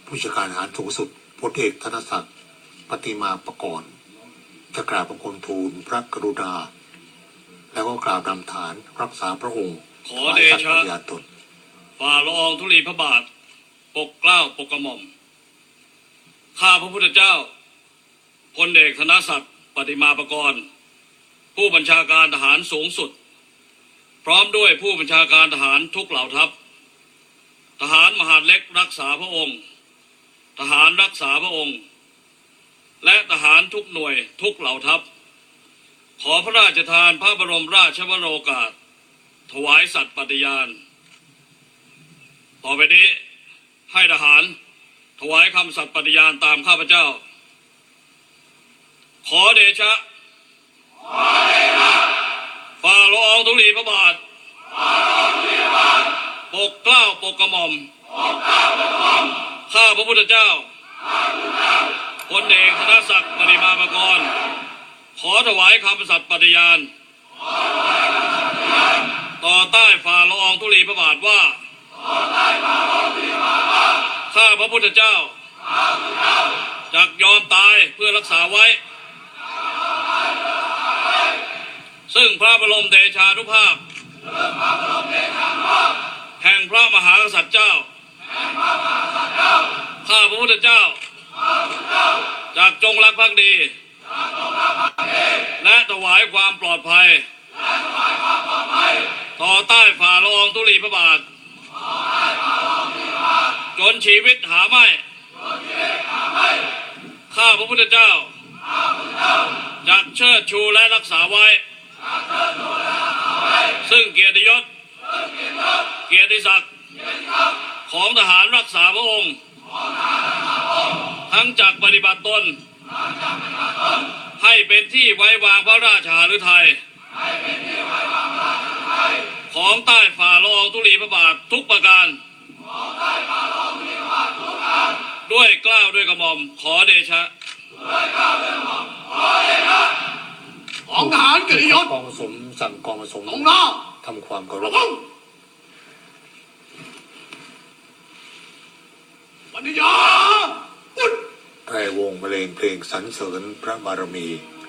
ผู้จัดการทหารสูงสุดพลเอกธนศักดิ์ปฏิมาประกรณ์จะกราบบังคมทูลพระกรุณาแล้วก็กราบนำฐานรักษาพระองค์ขอเดชะฝ่าละอองธุลีพระบาทปกเกล้าปกกระหม่อมข้าพระพุทธเจ้าพลเอกธนศักดิ์ปฏิมาประกรณ์ผู้บัญชาการทหารสูงสุดพร้อมด้วยผู้บัญชาการทหารทุกเหล่าทัพทหารมหาดเล็กรักษาพระองค์ทหารรักษาพระองค์และทหารทุกหน่วยทุกเหล่าทัพขอพระราชทานพระบรมราชวโรกาสถวายสัตย์ปฏิญาณต่อไปนี้ให้ทหารถวายคำสัตย์ปฏิญาณตามข้าพเจ้าขอเดชะฝ่าละอองธุลีพระบาทปกเกล้าปกกระหม่อมข้าพระพุทธเจ้าพลเอกธนศักดิ์ปฏิมาประกรณ์ขอถวายคำสัตย์ปฏิญาณต่อใต้ฝ่าละอองธุลีพระบาทว่าข้าพระพุทธเจ้าจักยอมตายเพื่อรักษาไว้ซึ่งพระบรมเดชานุภาพแห่งพระมหากษัตริย์เจ้าข้าพระพุทธเจ้าจักจงรักภักดีและถวายความปลอดภัยต่อใต้ฝ่าละอองธุลีพระบาทจนชีวิตหาไม่ข้าพระพุทธเจ้าจักเชิดชูและรักษาไว้ซึ่งเกียรติยศเกียรติศักดิ์ของทหารรักษาพระองค์ทั้งจักปฏิบัติตนให้เป็นที่ไว้วางพระราชหฤทัยของใต้ฝ่าละอองธุลีพระบาททุกประการด้วยเกล้าด้วยกระหม่อมขอเดชะของทหารเกียรติยศกองผสมสั่งกองผสมลงหน้าทำความเคารพปฏิญาณแพรวงบรรเลงเพลงสรรเสริญพระบารมี